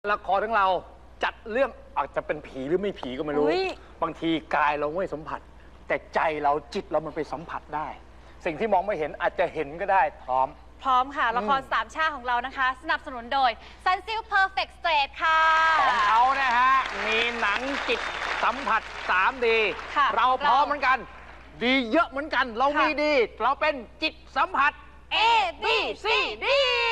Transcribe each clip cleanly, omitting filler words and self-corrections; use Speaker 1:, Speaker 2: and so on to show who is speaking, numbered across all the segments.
Speaker 1: ละครทั้งเราจัดเรื่องอาจจะเป็นผีหรือไม่ผีก็ไม่รู้บางทีกายเราไม่สัมผัสแต่ใจเราจิตเรามันไปสัมผัสได้สิ่งที่มองไม่เห็นอาจจะเห็นก็ได้พร้อม
Speaker 2: ค่ะละครสามชาติของเรานะคะสนับสนุนโดย Sunsilk Perfect Straight ค่ะ
Speaker 1: ของเขานะฮะมีหนังจิตสัมผัส 3D เราพร้อมเหมือนกันดีเยอะเหมือนกันเรามีดีเราเป็นจิตสัมผัส
Speaker 2: A B C D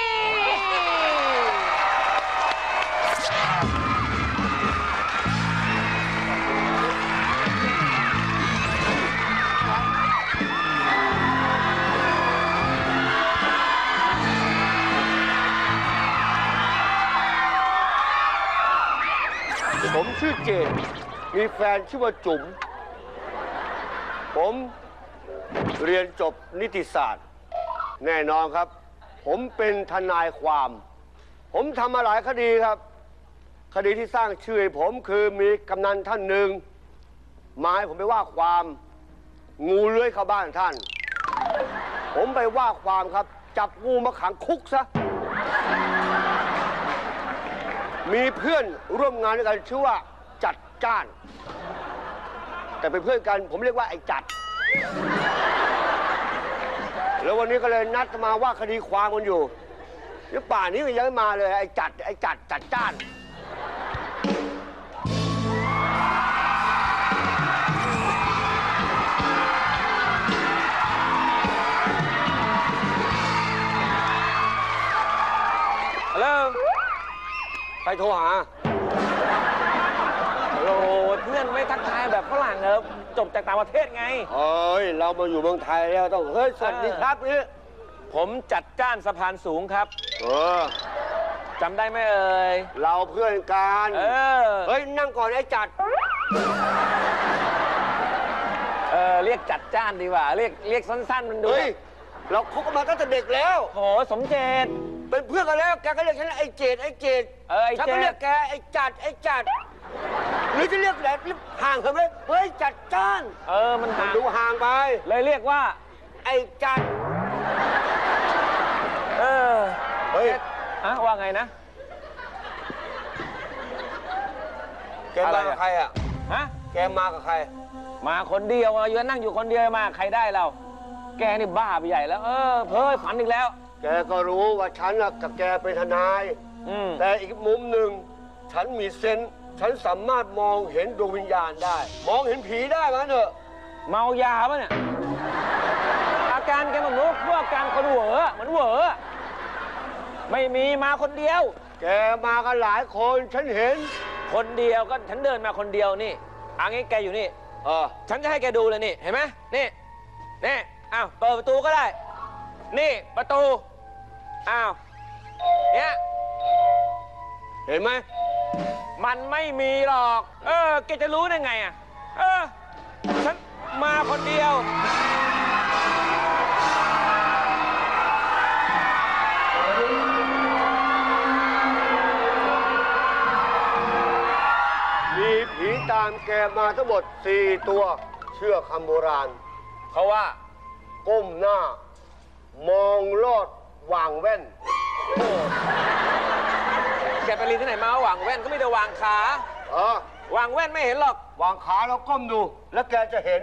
Speaker 3: ผมชื่อเจดมีแฟนชื่อว่าจุ๋มผมเรียนจบนิติศาสตร์แน่นอนครับผมเป็นทนายความผมทำมาหลายคดีครับคดีที่สร้างชื่อให้ผมคือมีกำนันท่านหนึ่งมาให้ผมไปว่าความงูเลื้อยเข้าบ้านท่านผมไปว่าความครับจับงูมาขังคุกซะมีเพื่อนร่วมงานด้วยกันชื่อว่าจัดจ้านแต่เป็นเพื่อนกันผมเรียกว่าไอ้จัดแล้ววันนี้ก็เลยนัดมาว่าคดีความกันอยู่นี่ป่านนี้ยังไม่มาเลยไอ้จัดจ้านฮัลโหลใครโทรหา
Speaker 4: โอ้เพื่อนไม่ทักทายแบบฝรั่งเหรอจบจากต่างประเทศไง
Speaker 3: เฮ้ยเรามาอยู่เมืองไทยแล้วต้องเฮ้ยสวัสดีครับนี่
Speaker 4: ผมจัดจ้านสะพานสูงครับจำได้ไหมเอ่ย
Speaker 3: เราเพื่อนกันเฮ้ยนั่งก่อนไอ้จัด
Speaker 4: เรียกจัดจ้านดีกว่าเรียกสั้นๆมันดู
Speaker 3: เฮ้ยเราคบกันมาตั้งแต่เด็กแล้ว
Speaker 4: โหสมเจต
Speaker 3: เป็นเพื่อนกันแล้วแกก็เรียกฉันไอ้เจดฉันก็เรียกแกไอ้จัดหรือจะเรียกแบบห่างกันไหมเฮ้ยจัดจ้าน
Speaker 4: มันห่าง
Speaker 3: ดูห่างไป
Speaker 4: เลยเรียกว่า
Speaker 3: ไอ้จัด
Speaker 4: เฮ้ยว่าไงนะ
Speaker 3: แกมากับใครอ่ะแกมากับใคร
Speaker 4: มาคนเดียวอยู่นั่งอยู่คนเดียวมาใครได้เราแกนี่บ้าไปใหญ่แล้วเพ้อฝันอีกแล้ว
Speaker 3: แกก็รู้ว่าฉันกับแกเป็นทนายแต่อีกมุมหนึ่งฉันมีเซนส์ฉันสามารถมองเห็นดวงวิญญาณได้มองเห็นผีได้มั้ยเถอะ
Speaker 4: เมายาป่ะเนี่ยอาการแกมันรู้พวกอาการคนเหวอเหมือนเหวอไม่มีมาคนเดียว
Speaker 3: แกมากันหลายคนฉันเห็น
Speaker 4: คนเดียวก็ฉันเดินมาคนเดียวนี่งี้แกอยู่นี่ฉันจะให้แกดูเลยนี่เห็นไหมนี่อ้าวเปิดประตูก็ได้นี่ประตูอ้าวเนี่ย
Speaker 3: เห็นไหม
Speaker 4: มันไม่มีหรอกแกจะรู้ได้ไงฉันมาคนเดียว
Speaker 3: มีผีตามแกมาทั้งหมด4 ตัวเชื่อคำโบราณ
Speaker 4: เขาว่า
Speaker 3: ก้มหน้ามองลอดวางแว่น
Speaker 4: แกไปเรียนที่ไหนมาหวางแว่นก็ไม่ได้วางขาวางแว่นไม่เห็นหรอก
Speaker 3: วางขาแล้วก้มดูแล้วแกจะเห็น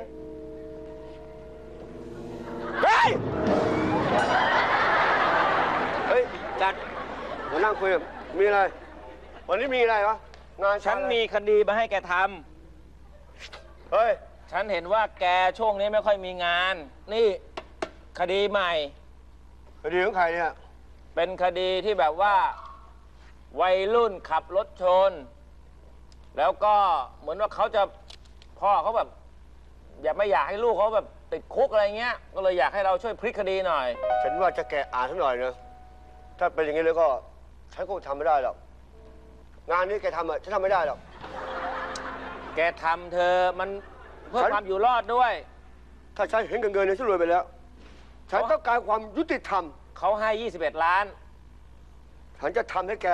Speaker 3: เฮ้ยจัดมานั่งคุยมีอะไรวันนี้มีอะไรวะงาน
Speaker 4: ฉันมีคดีมาให้แกท
Speaker 3: ำเฮ้ย
Speaker 4: ฉันเห็นว่าแกช่วงนี้ไม่ค่อยมีงานนี่คดีใหม่
Speaker 3: คดีของใครเนี่ย
Speaker 4: เป็นคดีที่แบบว่าวัยรุ่นขับรถชนแล้วก็เหมือนว่าเขาจะพ่อเขาแบบไม่อยากให้ลูกเขาแบบติดคุกอะไรเงี้ยก็เลยอยากให้เราช่วยพลิกคดีหน่อย
Speaker 3: ฉันว่าจะแกอ่านสักหน่อยนะถ้าเป็นอย่างนี้แล้วก็ฉันคงทำไม่ได้หรอกงานนี้แกทำฉันทำไม่ได้หรอก
Speaker 4: แกทำเธอมันเพื่อความอยู่รอดด้วย
Speaker 3: ถ้าฉันเห็นเงินเนี่ยฉันรวยไปแล้วฉันต้องการความยุติธรรม
Speaker 4: เขาให้21 ล้าน
Speaker 3: ฉันจะทำให้แก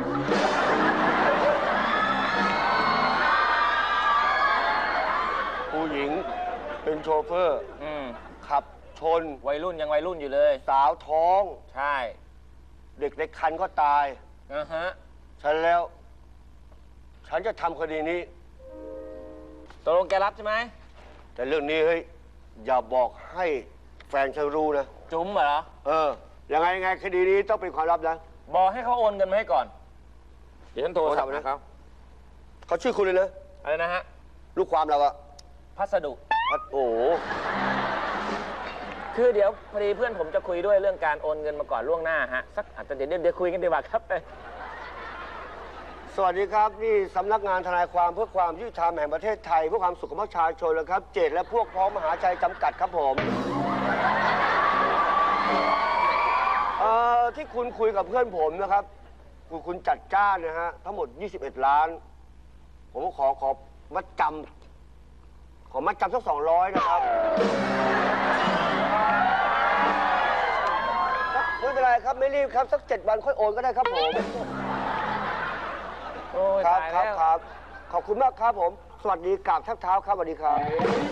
Speaker 3: ผู้หญิงเป็นโชเฟอร์ขับชน
Speaker 4: วัยรุ่นยังวัยรุ่นอยู่เลย
Speaker 3: สาวท้อง
Speaker 4: ใช่
Speaker 3: เด็กในครรภ์ก็ตาย
Speaker 4: ฮะ
Speaker 3: ฉันแล้วฉันจะทำคดีนี้
Speaker 4: ตกลงแกรับใช่ไหม
Speaker 3: แต่เรื่องนี้เฮ้ยอย่าบอกให้แฟนฉันรู้นะ
Speaker 4: จุ๋มเหรอ
Speaker 3: ยังไงคดีนี้ต้องเป็นความลับนะ
Speaker 4: บอกให้เขาโอนเงินมาให้ก่อน เดี๋ยวฉันโทรศัพท์
Speaker 3: โทรศัพท์นะ
Speaker 4: นะเขา
Speaker 3: เขาชื่อคุณเลยนะ
Speaker 4: อะไรนะฮะ
Speaker 3: ลูกความเราอะ
Speaker 4: พัสดุ
Speaker 3: โอ้โห
Speaker 4: คือเดี๋ยวพอดีเพื่อนผมจะคุยด้วยเรื่องการโอนเงินมาก่อนล่วงหน้าฮะ สักอาจจะเดี๋ยวคุยกันดีกว่าครับ
Speaker 3: สวัสดีครับนี่สำนักงานทนายความเพื่อความยุติธรรมแห่งประเทศไทยเพื่อความสุขของประชาชนนะครับ เจตและพวกพ้องมหาชัยจำกัดครับผมที่คุณคุยกับเพื่อนผมนะครับคุณจัดจ้านนะฮะทั้งหมด 21 ล้าน ผมขอมัดจำสัก200นะครับไม่เป็นไรครับไม่รีบครับสัก7 วันค่อยโอนก็ได้ครับผม
Speaker 4: โอ้ย
Speaker 3: ครับ
Speaker 4: ตาย
Speaker 3: ครั
Speaker 4: แล้
Speaker 3: บ
Speaker 4: ว
Speaker 3: ครับขอบคุณมากครับผม สวัสดีกราบทักเท้าครับสวัสดีครับ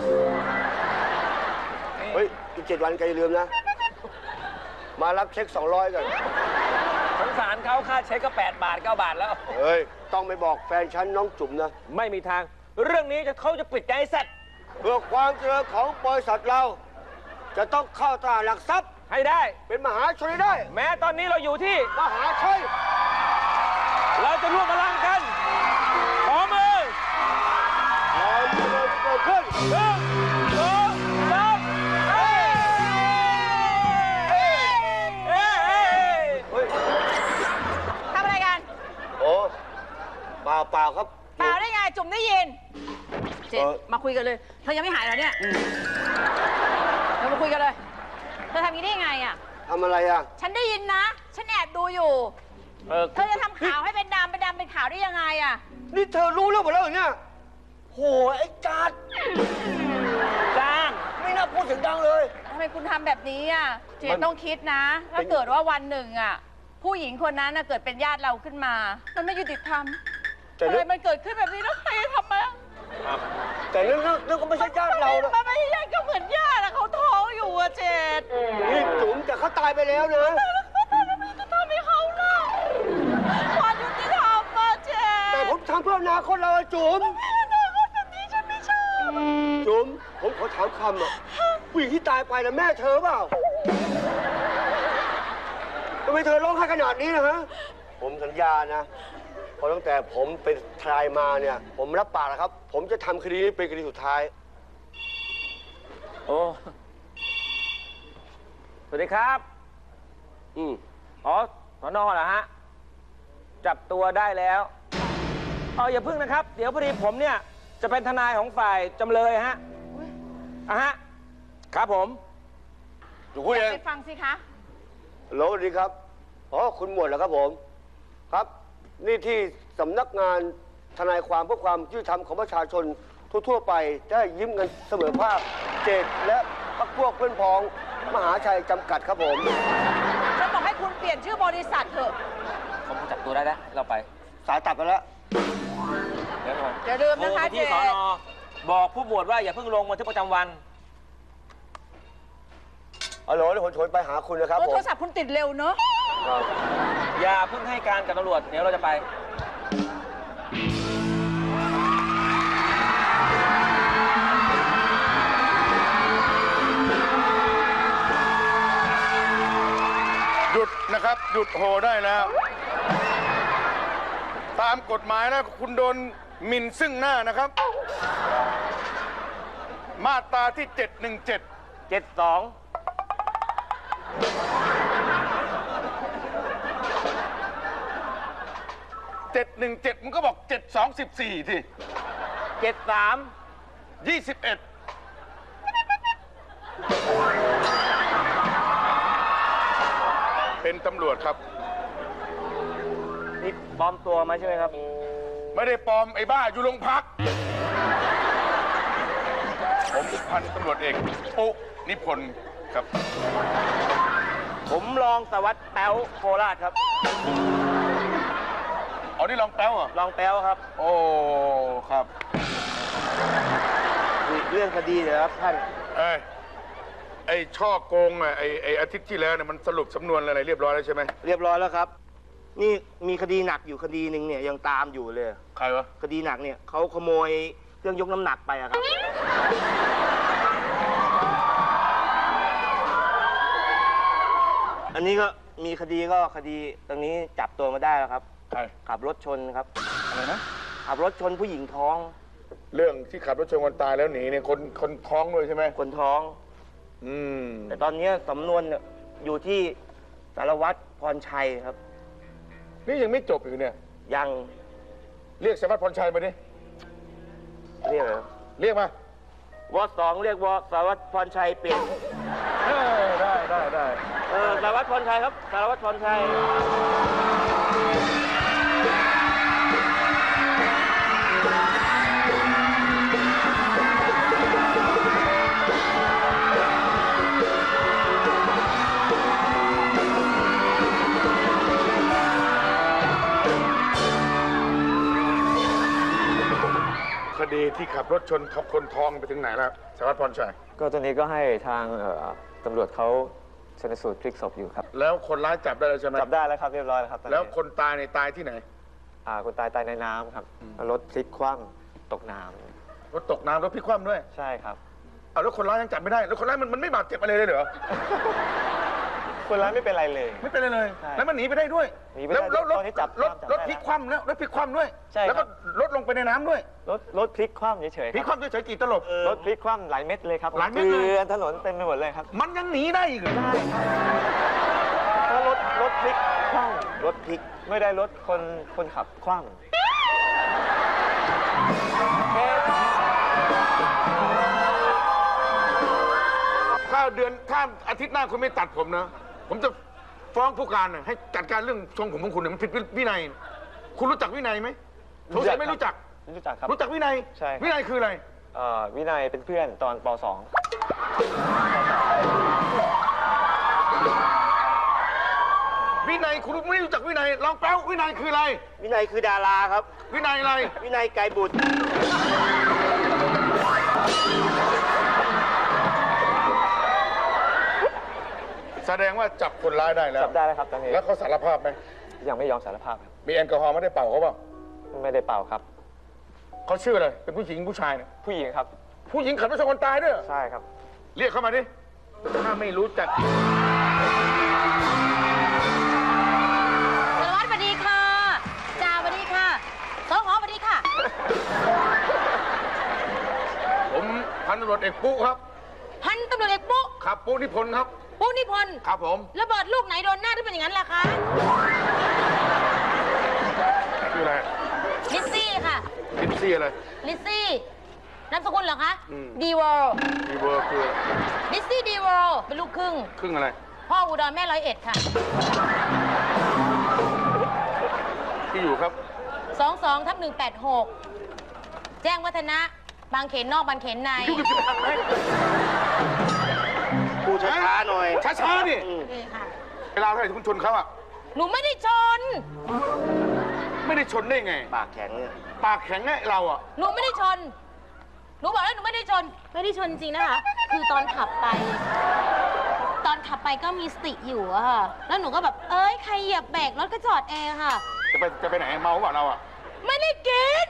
Speaker 3: เฮ้ยอีก7 วันแกอย่าลืมนะ มารับเช็ค200กัน
Speaker 4: สงสารเขาค่าเช็คก็8 บาท 9 บาทแล้ว
Speaker 3: เฮ้ยต้องไปบอกแฟนฉันน้องจุ๋มนะ
Speaker 4: ไม่มีทาง เรื่องนี้เขาจะปิดใจเสร็จ
Speaker 3: เพื่อความเจริญของบริษัทเรา จะต้องเข้าตลาดหลักทรัพย์
Speaker 4: ให้ได้
Speaker 3: เป็นมหาชนให้ได้
Speaker 4: แม้ตอนนี้เราอยู่ที่
Speaker 3: มหาชัย
Speaker 4: เราจะร่วมพลังกัน ขอมือ
Speaker 3: เราจะเกิดขึ้น
Speaker 4: 1 2 3เฮ้ยเฮ้ยเฮ้ย
Speaker 3: เฮ้ย
Speaker 2: ทำอะไรกัน
Speaker 3: โอ้เปล่าครับ
Speaker 2: เปล่าได้ไง จุ๋มได้ยิน เจ็ด
Speaker 3: เออ
Speaker 2: มาคุยกันเลย เธอยังไม่หายเหรอเนี่ยเรามาคุยกันเลย เธอทำอย่างนี้ได้ยังไงอ่ะ
Speaker 3: ทำอะไรอ่ะ
Speaker 2: ฉันได้ยินนะ ฉันแอบดูอยู่ เธอจะทำข่าวให้เป็นดำเป็นขาวได้ยังไงอ่ะ
Speaker 3: นี่เธอรู้เรื่องหมดแล้วเหรอเนี่ยโหไอ้จัด
Speaker 4: จ้าง
Speaker 3: ไม่น่าพูดเสียงดังเลย
Speaker 2: ทำไมคุณทำแบบนี้อ่ะ เจ
Speaker 3: มั
Speaker 2: น
Speaker 3: น
Speaker 2: ต้องคิดนะ ถ้าเกิดว่าวันหนึ่งอ่ะ ผู้หญิงคนนั้นน่ะเกิดเป็นญาติเราขึ้นมา มันไม่ยุติธรรม
Speaker 3: แต่
Speaker 2: ทำ
Speaker 3: เรื่
Speaker 2: ไม
Speaker 3: อง
Speaker 2: มันเกิดขึ้นแบบนี้แล้วใครจะทำไม
Speaker 3: แต่เรื่องก็ไม่ใช่ญาติเรานะ
Speaker 2: มันไม่ใช่ญาติก็เหมือนญาติอะเขาท้องอยู่อะเจด
Speaker 3: นี่จุ๋มแต่เขาตายไปแล้วนะ
Speaker 2: จะทำให้เขาเล่าความยุติธรรมอะเจด
Speaker 3: แต่ผมทำเพื่ออนาคตเราอะจุ๋ม
Speaker 2: ไม่ได้คนแบบนี้ฉันไม่ชอบ
Speaker 3: จุ๋มผมขอถามคำอะผู้หญิงที่ตายไปนะแม่เธอเปล่าทำไมเธอร้องไห้ขนาดนี้นะฮะผมสัญญานะเพราะตั้งแต่ผมเป็นทนายมาเนี่ย ผมรับปากนะครับ ผมจะทำคดีนี้เป็นคดีสุดท้าย
Speaker 4: โอ้สวัสดีครับ อ๋อสนเหรอฮะ จับตัวได้แล้วอย่าพึ่งนะครับ เดี๋ยวพอดีผมเนี่ย จะเป็นทนายของฝ่ายจำเลยฮะฮะ ครับผม
Speaker 3: อยู่คุณเอง
Speaker 2: ไปฟังสิคะ
Speaker 3: โหลสวัสดีครับคุณหมวดเหรอครับผม ครับ นี่ที่สำนักงานทนายความเพื่อความยุติธรรมของประชาชนทั่วๆไปได้ยิ้มกันเสมอภาคเจตและพรรคพวกเพื่อนพ้องมหาชัยจำกัดครับผม
Speaker 2: ฉันบอกให้คุณเปลี่ยนชื่อบริษัทเถอะ
Speaker 4: ผมจับตัวได้แล้ว เราไป
Speaker 3: สายตัดไปแล้ว
Speaker 4: เดี๋ยวก่อน
Speaker 2: อย่าลืม
Speaker 4: โทร
Speaker 2: นะคะ
Speaker 4: ไป
Speaker 2: เจ
Speaker 4: ที่ส
Speaker 2: ด
Speaker 4: นบอกผู้หมวดว่าอย่าเพิ่งลงบันทึกประจำวัน
Speaker 3: ฮัลโหลเดี๋ยวผมโทรไปหาคุณนะครับ
Speaker 2: โท
Speaker 3: ผม
Speaker 2: รศัพท์คุณติดเร็วเนอะ
Speaker 4: อย่าเพิ่งให้การกับตำรวจ เดี๋ยวเราจะไป
Speaker 5: หยุดนะครับ หยุดโหได้แล้ว ตามกฎหมายนะคุณโดนหมิ่นซึ่งหน้านะครับ มาตราที่ 717
Speaker 4: 72
Speaker 5: 717 มันก็บอก 7214 ที่
Speaker 4: 73
Speaker 5: 21 เป็นตำรวจครับ
Speaker 4: นี่ปลอมตัวมาใช่ไหมครับ
Speaker 5: ไม่ได้ปลอมไอ้บ้าอยู่โรงพัก ผมพันตำรวจเอกปุ๊นิพนธ์ครับ
Speaker 4: ผมรองสารวัตรแป๊วโคราชครับ
Speaker 5: เอานี่ลองแป๊วเหรอ
Speaker 4: รองแป๊วครับ
Speaker 5: โอ้ ครับ
Speaker 4: เรื่องคดีเหรอครับท่าน
Speaker 5: ไอ้ช่อโกงอ่ะไอ้อาทิตย์ที่แล้วเนี่ยมันสรุปสำนวนอะไรเรียบร้อยแล้วใช่ไหม
Speaker 4: เรียบร้อยแล้วครับ
Speaker 6: นี่มีคดีหนักอยู่คดีหนึ่งเนี่ยยังตามอยู่เลย
Speaker 5: ใครวะ
Speaker 6: คดีหนักเนี่ยเขาขโมยเครื่องยกน้ำหนักไปอะครับ อันนี้ก็มีคดีตรงนี้จับตัวมาได้แล้วครับ
Speaker 5: ใคร
Speaker 6: ขับรถชนครับ
Speaker 5: อะไรนะ
Speaker 6: ขับรถชนผู้หญิงท้อง
Speaker 5: เรื่องที่ขับรถชนคนตายแล้วหนีเนี่ยคนท้องด้วยใช่ไหม
Speaker 6: คนท้อง
Speaker 5: อืม
Speaker 6: แต่ตอนนี้สำนวนเนี่ยอยู่ที่สารวัตรพรชัยครับ
Speaker 5: นี่ยังไม่จบอยู่เนี่ย
Speaker 6: ยัง
Speaker 5: เรียกสารวัตรพรชัยมาดิ
Speaker 6: เรียกอะไร
Speaker 5: เรียกมา
Speaker 6: วสองเรียกวสารวัตรพรชัยเปลี่ยน
Speaker 5: ได้
Speaker 6: สารวัตรพรชัยครับสารวัตรพรชัย
Speaker 5: คดีที่ขับรถชนทับคนท้องไปถึงไหนแล้วสารวัตรพรชัย
Speaker 7: ก็ตอนนี้ก็ให้ทางตำรวจเขาชันสูตรพลิกศพอยู่ครับ
Speaker 5: แล้วคนร้ายจับได้แล้วใช่ไหม
Speaker 7: จับได้แล้วครับเรียบร้อยแล้วครับตอนนี้
Speaker 5: แล้วคนตายในตายที่ไหน
Speaker 7: คนตายในน้ำครับรถพลิกคว่ำตกน้
Speaker 5: รถตกน้ำรถพลิกคว่ำด้วย
Speaker 7: ำใช่ครับ
Speaker 5: เอาแล้วคนร้ายยังจับไม่ได้ แล้วคนร้ายมันไม่บาดเจ็บอะไรเลยเหรอ
Speaker 7: คนร้ายไม่เป็นไรเลย
Speaker 5: ไม่เป็นไรเลย
Speaker 7: ใช่
Speaker 5: แล้วมันหนีไปได้ด้วย
Speaker 7: หนีไปได้
Speaker 5: แล้วรถ
Speaker 7: ตอนนี้จับ
Speaker 5: รถ
Speaker 7: จับ
Speaker 5: รถ
Speaker 7: ได้
Speaker 5: พลิกคว่ำแล้วรถพลิกคว่ำด้วย
Speaker 7: ใช่ครับ
Speaker 5: แล้วก็รถลงไปในน้ำด้วย
Speaker 7: รถพลิกคว่ำเฉยๆ
Speaker 5: พลิก
Speaker 7: ค
Speaker 5: ครับ ว่ำเฉยๆกี่ตลบ
Speaker 7: รถพลิกคว่ำหลายเม็ดเลยครับ
Speaker 5: หลายเม็ดเลย
Speaker 7: เกลือนถนนเต็มไปหมดเลยครับ
Speaker 5: มันยังหนีได้อีกเหรอ
Speaker 7: ถ้ารถพลิกคว่
Speaker 6: รถพลิก
Speaker 7: ำไม่ได้รถคนขับคว่ำ
Speaker 5: ถ้าอาทิตย์หน้าคุณไม่ตัดผมนะ ผมจะฟ้องผู้การน่ะให้จัดการเรื่องทรงผมของคุณเนี่ยมันผิดวินัย คุณรู้จักวินัยไหมสงสัยไม่รู้จัก
Speaker 7: รู้จักครับ
Speaker 5: รู้จักวินัย
Speaker 7: ใช่ครับ
Speaker 5: วินัยคืออะไร
Speaker 7: วินัยเป็นเพื่อนตอนป .2
Speaker 5: วินัยคุณไม่รู้จักวินัยลองแปลวินัยคืออะไร
Speaker 6: วินัยคือดาราครับ
Speaker 5: วินัยอะไร
Speaker 6: วินัยไกรบุตร
Speaker 5: แสดงว่าจับคนร้ายได้แล้ว
Speaker 7: จับได้แล้วครับตอนนี้
Speaker 5: แล้วเขาสารภาพไหม
Speaker 7: ยังไม่ยอมสารภาพครับ
Speaker 5: มีแอลกอฮอล์ไม่ได้เป่าเขาเปล่า
Speaker 7: ไม่ได้เป่าครับ
Speaker 5: เขาชื่ออะไรเป็นผู้หญิงผู้ชายเนี่ย
Speaker 7: ผู้หญิงครับ
Speaker 5: ผู้หญิงขับรถชนคนตายด้วยเหรอ
Speaker 7: ใช่ครับ
Speaker 5: เรียกเข้ามาดิถ้าไม่รู้จัก
Speaker 2: สารวัตรสวัสดีค่ะจ่าสวัสดีค่ะสหสวัสดีค่ะ
Speaker 5: ผมพันตำรวจเอกปุ๊ครับ
Speaker 2: พันตำรวจเอกปุ๊
Speaker 5: ครับปุ๊นิพนธ์ครับ
Speaker 2: ปุ๊นิพนธ์
Speaker 5: ครับผม
Speaker 2: ระเบิดลูกไหนโดนหน้าที่เป็นอย่างนั้นล่ะคะ
Speaker 5: ชื่ออะไร
Speaker 2: ลิซซี่ค่ะ
Speaker 5: ลินซี่อะไร
Speaker 2: ลิซซี่นามสกุลเหรอคะ
Speaker 5: อืม
Speaker 2: ดีเวิลด์
Speaker 5: ดีเวอร์คือ
Speaker 2: ลิซซี่ดีเวิลด์เป็นลูกครึ่ง
Speaker 5: ครึ่งอะไร
Speaker 2: พ่ออุดรแม่101ค่ะ
Speaker 5: ที่อยู่ครับ
Speaker 2: 22/186 แจ้งวัฒนะ บางเขนนอกบางเขนใน
Speaker 6: พูดช้าๆหน่อย
Speaker 5: ช้าๆนี่
Speaker 2: นี่ค่ะ
Speaker 5: เวลาเท่าไหร่ที่คุณชนเขาอะ
Speaker 2: หนูไม่ได้ชน
Speaker 5: ไม่ได้ชนได้ไง
Speaker 6: ปากแข็งเนี่ย
Speaker 5: ปากแข็งไงเราอะ
Speaker 2: หนูไม่ได้ชน หนูบอกแล้วหนูไม่ได้ชน ไม่ได้ชนจริงนะคะ คือตอนขับไปก็มีสติอยู่อะค่ะ แล้วหนูก็แบบ เอ้ย ใครเหยียบเบรกรถก็จอดเองค่ะ
Speaker 5: จะไปไหนเมาเปล่าเราอะ
Speaker 2: ไม่ได้กิน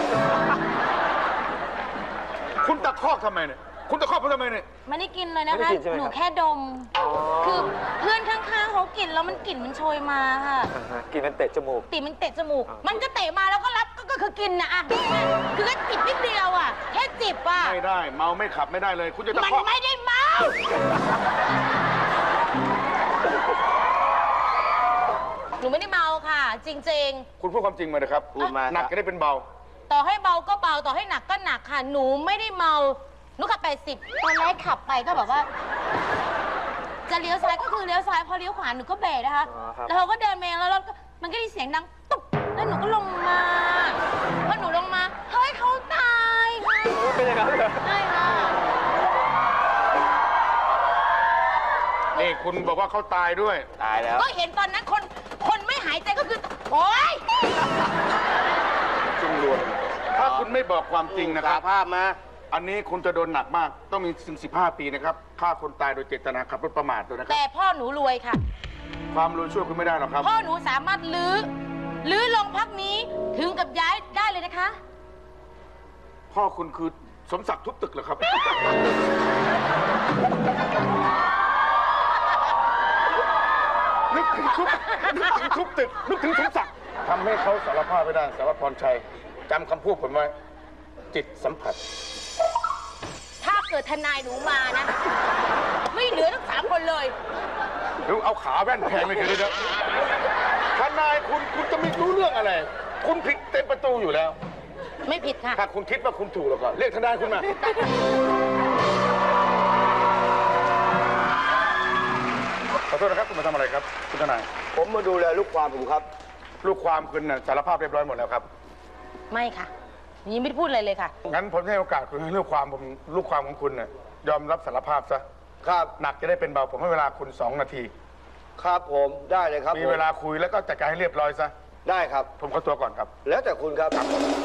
Speaker 5: คุณตะคอกทำไมเนี่ยคุณตะคอกผมทำไมเนี่ย
Speaker 2: ไม่ได้กินเลยนะ
Speaker 7: ไม่ได้
Speaker 2: คะ
Speaker 7: กินใช่ไหมครับ
Speaker 2: หนูแค่ดม คือเพื่อนข้างๆเขากินแล้วมันกลิ่นมันโชยมาค่ะ
Speaker 7: กินมันเตะจมูก
Speaker 2: ติมันเตะจมูก มันก็เตะมาแล้วก็รับก็คือกินนะอะคือก็จิบนิดเดียวอะแค่จิบอะ
Speaker 5: ไม่ได้ เมาไม่ขับไม่ได้เลย คุณจะตะ
Speaker 2: มัน
Speaker 5: คอก
Speaker 2: ไม่ได้เมา หนูไม่ได้เมาค่ะ จริง
Speaker 5: คุณพูดความจริงมาเลยครับ
Speaker 6: พูดมา
Speaker 5: หนักจะได้เป็นเบา
Speaker 2: ๆ ต่อให้เบาก็เบา ต่อให้หนักก็หนักค่ะ หนูไม่ได้เมา หนูขับ80ตอนแรกขับไปก็แบบว่า จะเลี้ยวซ้ายก็คือเลี้ยวซ้าย พอเลี้ยวขวาหนูก็เบรกนะคะ
Speaker 7: อ๋อครับ
Speaker 2: แล้วเขาก็เดินมาแล้วรถก็มันก็ได้เสียงดังตุ๊บแล้วหนูก็ลงมาพอหนูลงมา เฮ้ยเขาตายค่ะ
Speaker 7: เป็นอย่างนั้นเหรอ
Speaker 2: ใช่ค่ะ
Speaker 5: นี่คุณบอกว่าเขาตายด้วย
Speaker 6: ตายแล้ว
Speaker 2: ก็เห็นตอนนั้นคนไม่หายใจก็คือ โอ๊ย
Speaker 5: จุงรวนถ้าคุณไม่บอกความจริงนะค
Speaker 6: สา
Speaker 5: รับ
Speaker 6: ภาพมา
Speaker 5: อันนี้คุณจะโดนหนักมาก ต้องมีถึง15 ปีนะครับฆ่าคนตายโดยเจตนาขับรถประมาทด้วยนะครับ
Speaker 2: แต่พ่อหนูรวยค่ะ
Speaker 5: ความรวยช่วยคุณไม่ได้หรอกครับ
Speaker 2: พ่อหนูสามารถลื้อโรงพักนี้ถึงกับย้ายได้เลยนะคะ
Speaker 5: พ่อคุณคือสมศักดิ์ทุบตึกเหรอครับ นึกถึงทุบตึก นึกถึงสมศักดิ์ทำให้เขาสารภาพไม่ได้สารวัตรพรชัยจำคำพูดผมไว้ จิตสัมผัส
Speaker 2: ถ้าเกิดทนายหนูมานะ ไม่เหลือทั้ง3 คนเลย
Speaker 5: หรือเอาขาแว่นแพงเลยเดี๋ยวทนายคุณจะไม่รู้เรื่องอะไร คุณผิดเต็มประตูอยู่แล้ว
Speaker 2: ไม่ผิดค่ะ
Speaker 5: ถ้าคุณคิดว่าคุณถูกแล้วก็เรียกทนายคุณมา ขอโทษนะครับ คุณมาทำอะไรครับ คุณทนาย
Speaker 3: ผมมาดูแลลูกความผมครับ
Speaker 5: ลูกความคุณน่ะสารภาพเรียบร้อยหมดแล้วครับ
Speaker 2: ไม่ค่ะยังไม่ได้พูดอะไรเลยค่ะ
Speaker 5: งั้นผมให้โอกาสคุณให้ลูกความของคุณน่ะยอมรับสารภาพซะ
Speaker 3: ครับ
Speaker 5: หนักจะได้เป็นเบา ผมให้เวลาคุณ2 นาที
Speaker 3: ครับผมได้เลยครับ
Speaker 5: มีเวลาคุยแล้วก็จัดการให้เรียบร้อยซะ
Speaker 3: ได้ครับ
Speaker 5: ผมขอตัวก่อนครับ
Speaker 3: แล้วแต่คุณครับ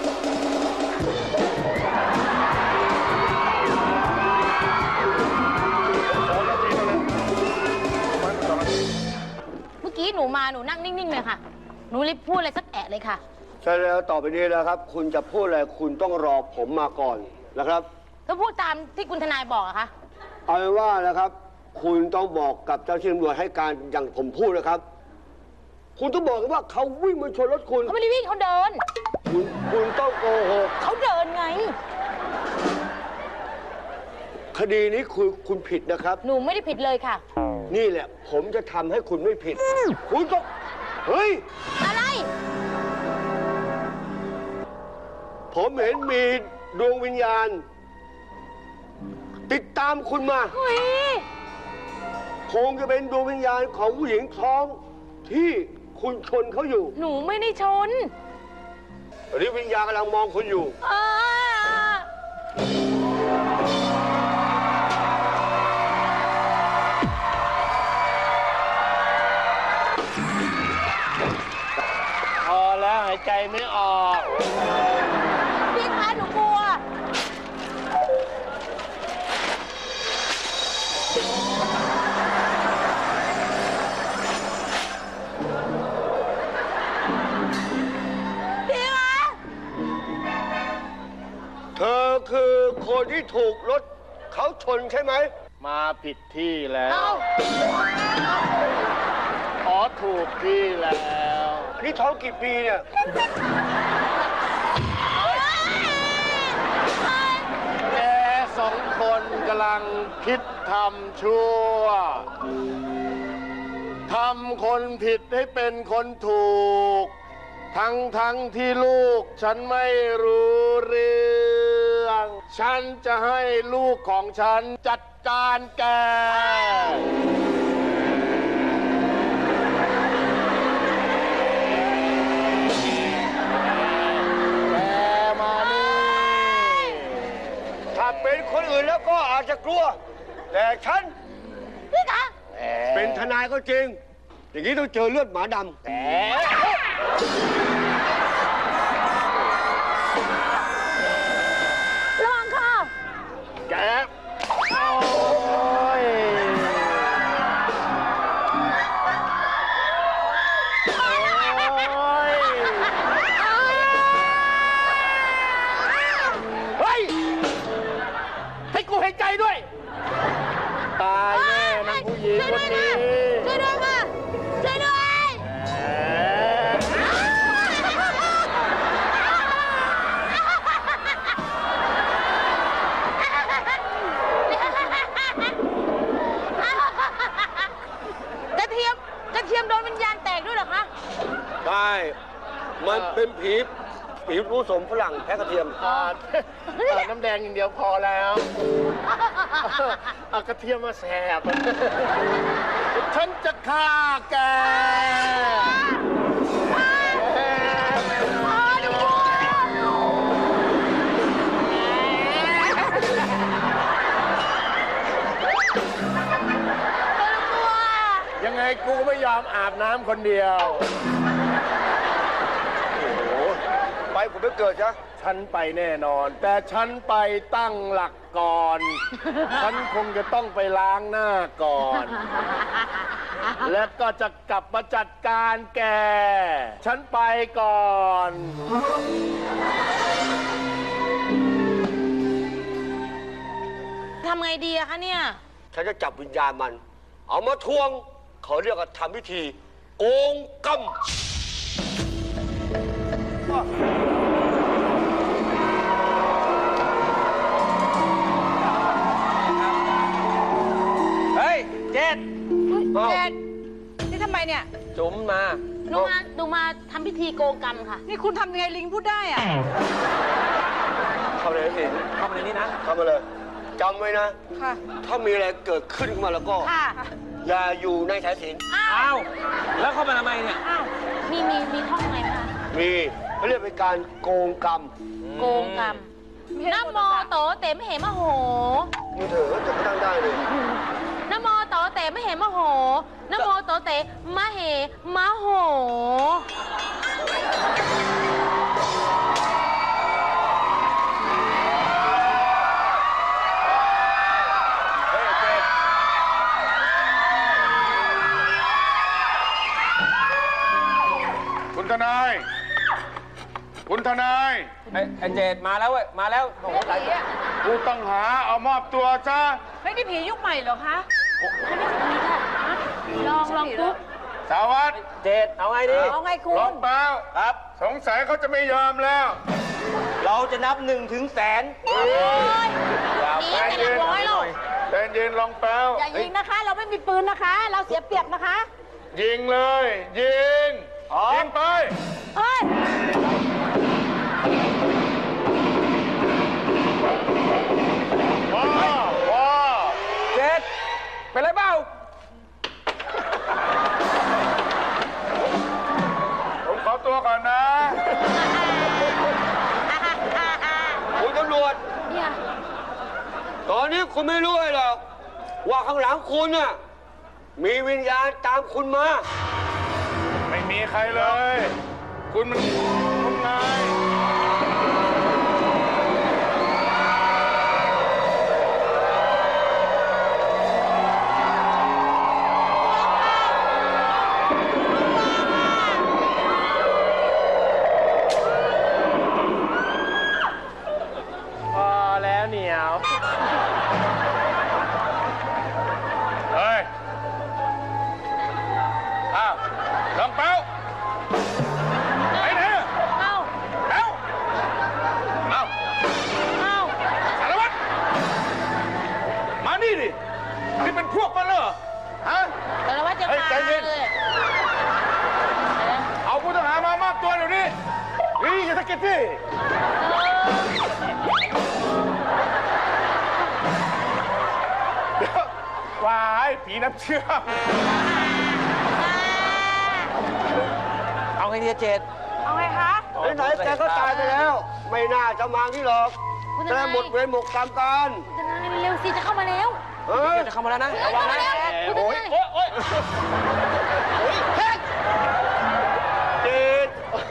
Speaker 2: เมื่อกี้หนูมาหนูนั่งนิ่งๆเลยค่ะ หนูรีบพูดอะไรสักแอะเลยค่ะ
Speaker 3: ใช่แล้วต่อไปนี้นะครับ คุณจะพูดอะไรคุณต้องรอผมมาก่อนนะครับ
Speaker 2: ก็พูดตามที่คุณทนายบอกอะค่ะ
Speaker 3: เอาเป็นว่านะครับ คุณต้องบอกกับเจ้าหน้าที่ตำรวจให้การอย่างผมพูดนะครับ คุณต้องบอกว่าเขาวิ่งมาชนรถคุณ
Speaker 2: เขาไม่ได้วิ่งเขาเดิน
Speaker 3: คุณต้องโกหก
Speaker 2: เขาเดินไง
Speaker 3: คดีนี้คุณผิดนะครับ
Speaker 2: หนูไม่ได้ผิดเลยค่ะ
Speaker 3: นี่แหละ ผมจะทำให้คุณไม่ผิด คุณต้องเฮ้ย
Speaker 2: อะไร
Speaker 3: ผมเห็นมีดวงวิญญาณ ติดตามคุณมา
Speaker 2: เฮ้ย
Speaker 3: คงจะเป็นดวงวิญญาณของผู้หญิงท้องที่คุณชนเขาอยู่
Speaker 2: หนูไม่ได้ชน
Speaker 3: หรือวิญญาณกำลังมองคุณอยู่
Speaker 2: อ่า
Speaker 4: พอแล้วหายใจไม่ออก
Speaker 2: พี่คะหนูกลัว พี่คะ
Speaker 3: เธอคือคนที่ถูกรถเขาชนใช่ไหม
Speaker 4: มาผิดที่แล้ว
Speaker 2: เอ้า
Speaker 4: อ๋อถูกที่แล้ว
Speaker 3: นี่ท้องกี่ปีเนี่ย
Speaker 4: แก2 คนกำลังคิดทำชั่ว ทำคนผิดให้เป็นคนถูก ทั้งที่ลูกฉันไม่รู้เรื่อง ฉันจะให้ลูกของฉันจัดการแก แกมานี่
Speaker 3: ถ้าเป็นคนอื่นแล้วก็อาจจะกลัว แต่ฉัน
Speaker 2: พี่คะ
Speaker 3: เป็นทนายก็จริง อย่างนี้ต้องเจอเลือดหมาดำ
Speaker 2: ระวังค่ะ
Speaker 4: แกโอ้ยโอ้ยเฮ้ย ให้กูเห็นใจด้วย ตายแน่นางผู้หญิงคนนี้
Speaker 2: ช่วยด้วยค่ะ ช่วยด้วย กระเทียมโดนวิญญาณแตกด้วยเหรอคะ
Speaker 3: ใช่มันเป็นผีผสมฝรั่งแพ้กระเทียม
Speaker 4: น้ำแดงอย่างเดียวพอแล้วเอากระเทียมมาแสบ ฉันจะฆ่าแก ยังไงกูก็ไม่ยอมอาบน้ำคนเดียว
Speaker 3: ไปผมไปเกิดจ้ะ
Speaker 4: ฉันไปแน่นอน แต่ฉันไปตั้งหลักก่อน ฉันคงจะต้องไปล้างหน้าก่อน
Speaker 3: และก็จะกลับมาจัดการแก ฉันไปก่อน
Speaker 2: ทำไงดีอะคะเนี่ย
Speaker 3: ฉันจะจับวิญญาณมัน เอามาทวง เขาเรียกว่าทำพิธี โกงกรรม
Speaker 4: เฮ้ย เจ็ด
Speaker 8: เจ็ดนี่ทำไมเนี่ย
Speaker 4: จุ๋มมา
Speaker 2: หนูมาทำพิธีโกงกรรมค่ะ
Speaker 8: นี่คุณทำยังไงลิงพูดได้อะ
Speaker 3: เข้าเลยสิ
Speaker 4: เข้ามาในนี้นะ
Speaker 3: เข้ามาเลยจำไว้นะ
Speaker 8: ค่ะ
Speaker 3: ถ้ามีอะไรเกิดขึ้นขึ้นมาแล้วก็
Speaker 2: ค่ะ
Speaker 3: อย่าอยู่ในสายสิญจน
Speaker 4: อ้าว แล้วเข้ามาทำไมเนี่ย
Speaker 2: มีท่องไงไหมคะ
Speaker 3: มีเขาเรียกเป็นการโกงกรรม
Speaker 2: โกงกรรมนะโมโตเตมเหมโห
Speaker 3: มือเถอะจะไม่ตั้งได้เลย
Speaker 2: นะโมโตเตมเหมโหนะโมโตเตมะเหมะโห
Speaker 3: เฮ้ยเจ็ด
Speaker 5: คุณทนาย คุณทนาย
Speaker 4: ไอ้เจ็ดมาแล้วเว้ย มาแล้วโอ้โหหลายคน
Speaker 5: ผู้ต้องหาเอามอบตัวซะ
Speaker 8: ไม่ได้ผียุคใหม่เหรอคะ
Speaker 2: ลองปุ๊บ
Speaker 5: สารวัตร
Speaker 4: เจ็ดเอาไงดี
Speaker 8: เอาไงคุณ
Speaker 5: ลองเปล่า
Speaker 6: ครับ
Speaker 5: สงสัยเขาจะไม่ยอมแล้ว
Speaker 6: เราจะนับ1 ถึงแสน
Speaker 2: หนีกันหลักร้อยหรอก
Speaker 5: ใจเย็นลองเปล่า
Speaker 8: อย่ายิงนะคะ เราไม่มีปืนนะคะ เราเสียเปรียบนะคะ
Speaker 5: ยิงเลย ยิง ยิงไป
Speaker 8: เฮ้ย
Speaker 5: ว้าวว้าว
Speaker 4: เจ็ดเป็นไรเปล่า
Speaker 5: ผมขอตัวก่อนนะ
Speaker 3: คุณตำรวจ
Speaker 2: เนี่ย
Speaker 3: ตอนนี้คุณไม่รู้เลยหรอก ว่าข้างหลังคุณน่ะ มีวิญญาณตามคุณมา
Speaker 5: ไม่มีใครเลย คุณมันคุณนาย
Speaker 1: พอแล้วเหนียว
Speaker 5: เฮ้ย อ้าวลองเป้าไปไหนอะ
Speaker 2: เอ้า
Speaker 5: เอ้าเอ้า
Speaker 2: เอ้า
Speaker 5: สารวัตรมานี่ดิ นี่เป็นพวกมันเหรอ ฮะ
Speaker 2: แต่ละว่าจะ
Speaker 5: เฮ้ย
Speaker 2: มา
Speaker 5: ใจเย็น
Speaker 2: เลย
Speaker 5: เอาผู้ต้องหามามอบตัวเดี๋ยวนี้นี่อย่าตะกิดที่เดี๋ยววายผีน้ำเชื่อม
Speaker 4: เอาไงดีเจ็ด
Speaker 8: เอาไงคะ
Speaker 3: ไหนๆแกก็ตายไปแล้ว ไม่น่าจะมาที่หรอก
Speaker 2: คุณท
Speaker 3: แต่
Speaker 2: นาย
Speaker 3: หมดเวรหมดกรรมกัน
Speaker 2: คุณทนายเร็วสิจะเข้ามาแล้ว
Speaker 3: เฮ้ย
Speaker 4: จะเข้ามาแล้วนะ
Speaker 2: เข้า
Speaker 4: ระวัง
Speaker 2: มา
Speaker 4: นะ
Speaker 2: แล้วคุณทนาย
Speaker 3: เจ็ด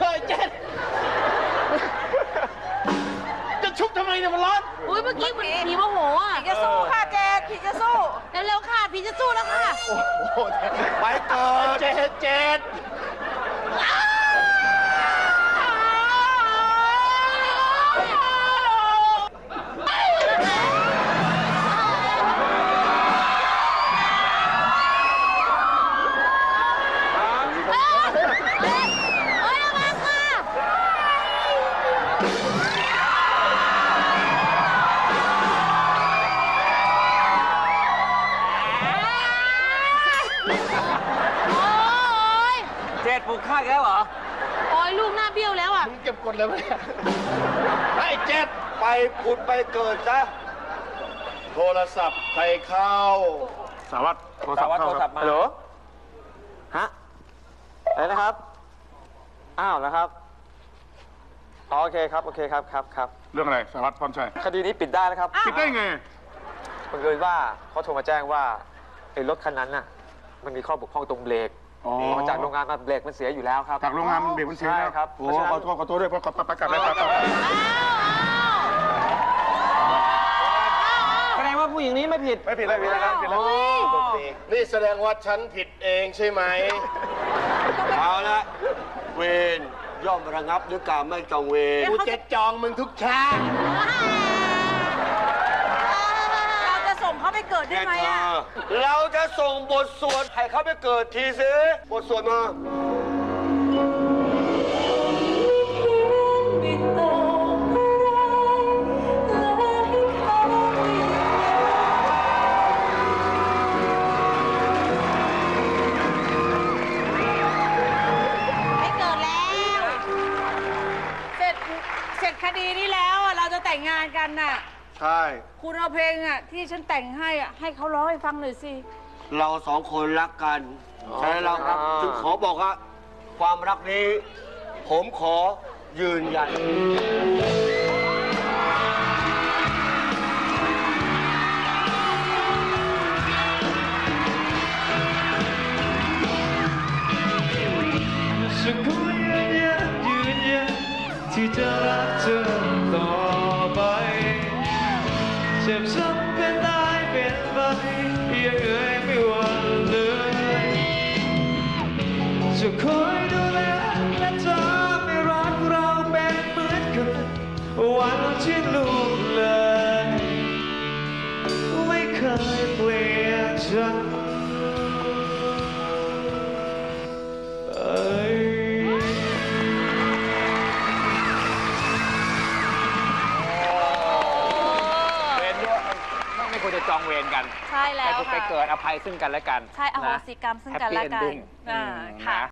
Speaker 1: จะชุบทำไมเนี่ยมันร้อน
Speaker 2: อุ้ยเมื่อกี้เหมือนผีโมโหอ่ะ
Speaker 8: ผีจะสู้ค่ะเจ็ดผีจะสู้
Speaker 2: เร็วๆค่ะผีจะสู้แล้วค่ะ
Speaker 3: ไปเกิด
Speaker 1: เจ็ด
Speaker 2: เอ้ยระวังค่ะโอ้ย
Speaker 4: เจ็ดปลุกข้าอีกแล้วเหรอ
Speaker 2: โอ้ยลูกหน้าเบี้ยวแล้วอ่ะ
Speaker 1: มึงเก็บกดเลยไหมเนี่ยไอ้เจ็ด
Speaker 3: ไปผุดไปเกิดซะ โทรศัพท์ใครเข้า
Speaker 5: สารวัตรโทรศั
Speaker 4: สา
Speaker 5: พท์
Speaker 4: วัตร
Speaker 5: เข้า
Speaker 4: โทร
Speaker 5: ค
Speaker 4: ศั
Speaker 5: รั
Speaker 4: พ
Speaker 5: บ
Speaker 4: ท์มา
Speaker 7: ฮัลโหล ฮะ อะไรนะครับ อ้าวแล้วครับอ๋อโอเคครับ โอเคครับ ครับครับ
Speaker 5: เรื่องอะไรสารวัตรพรชัย
Speaker 7: คดีนี้ปิดได้แล้วครับ
Speaker 5: ปิดได้ไง
Speaker 7: บังเอิญว่าเขาโทรมาแจ้งว่าไอ้รถคันนั้นน่ะ มันมีข้อบกพร่องตรงเบรก
Speaker 5: อ๋อ
Speaker 7: ออกจากโรงงานมาเบรกมันเสียอยู่แล้วครับ
Speaker 5: จากโรงงานมันเบรกมันเสียแล้ว
Speaker 7: ใช่ครับ
Speaker 5: โอ้
Speaker 7: เพราะฉะนั้น
Speaker 5: ขอโทษด้วยไปกลับเลยไป
Speaker 4: แสดงว่าผู้
Speaker 7: อย่างนี้ไม่ผิด
Speaker 5: ไม่ผิดนะครับผิดแล้ว
Speaker 3: นี่แสดงว่าฉันผิดเองใช่ไหม เอาละเวรย่อมระงับด้วยการไม่จองเวรกูจะจองมึงทุกชาติ
Speaker 8: เราจะส่งเขาไปเกิดได้ไหมอะ
Speaker 3: เราจะส่งบทสวดให้เขาไปเกิดทีสิบทสวดมา
Speaker 2: ไม่เกิดแล้ว
Speaker 8: เสร็จคดีนี้แล้วอะเราจะแต่งงานกันน่ะ
Speaker 3: ใช่
Speaker 8: คุณเอาเพลงอะที่ฉันแต่งให้อะให้เขาร้องให้ฟังหน่อยสิ
Speaker 3: เราสองคนรักกันใช่เราครับจึงขอบอกว่าความรักนี้ ผมขอยืนยัน
Speaker 9: ฉันขอยืนยันที่จะรักเธอต่อไปเจ็บช้ำเป็นตายเป็นไปยังเอ่ยไม่หวั่นเลยจะคอยดูแลและจะไม่รักเราเป็นเหมือนกันวันที่ลูกเลยไม่เคยเปลี่ยนฉัน
Speaker 1: ไม่ควรจะจองเวรกัน
Speaker 2: ใช่แล้ว
Speaker 1: ไป
Speaker 2: ค่ะ
Speaker 1: เกิดอภัยซึ่งกันและกัน
Speaker 2: ใช่อโหสิกรรมซึ่งกันและกัน
Speaker 1: Happy ending
Speaker 2: ค่ะ